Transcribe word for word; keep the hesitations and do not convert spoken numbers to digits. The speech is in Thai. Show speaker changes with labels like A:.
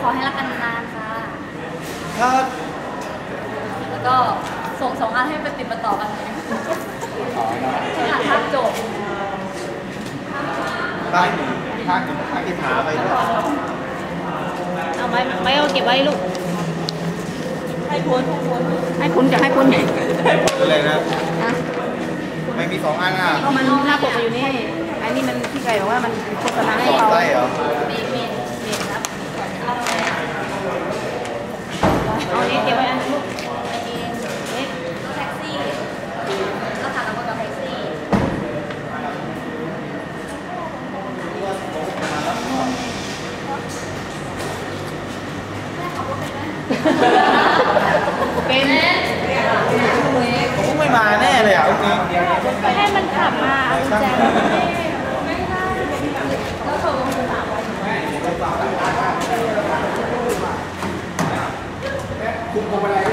A: อให้รักกันนานค่ะ
B: ครับ
A: แล้วก็ส่งสองอันให้ไปติดมาต่อกันเลยอ่านภาพจบ
B: บ้านหนึ่งข้างหนึ่งข้างที่ขาไปด้วย
C: เอาไว้ไว้เอาเก็บไว้ลูกให้พุนให้พุนจะให้พุน
B: อะไรนะไม่มีสองอันอ่ะ
C: ก็มันหน้าปกอยู่นี่อันนี้มันที่ไก่บอกว่ามันโฆษณาให้
B: เขาได้เหรอ
A: มีมีมีครับ
C: เอานี้เก็บไว้อันลูก
A: รถแท็กซี่ก็ถามกับแท็กซี่
C: เป็น
B: ผมไม่มาแน่เลยอ่ะจริง
C: ให้มันขับมาเอาแจ
A: แล้วโทรมาถามว่า
B: คุมพวงมาลัย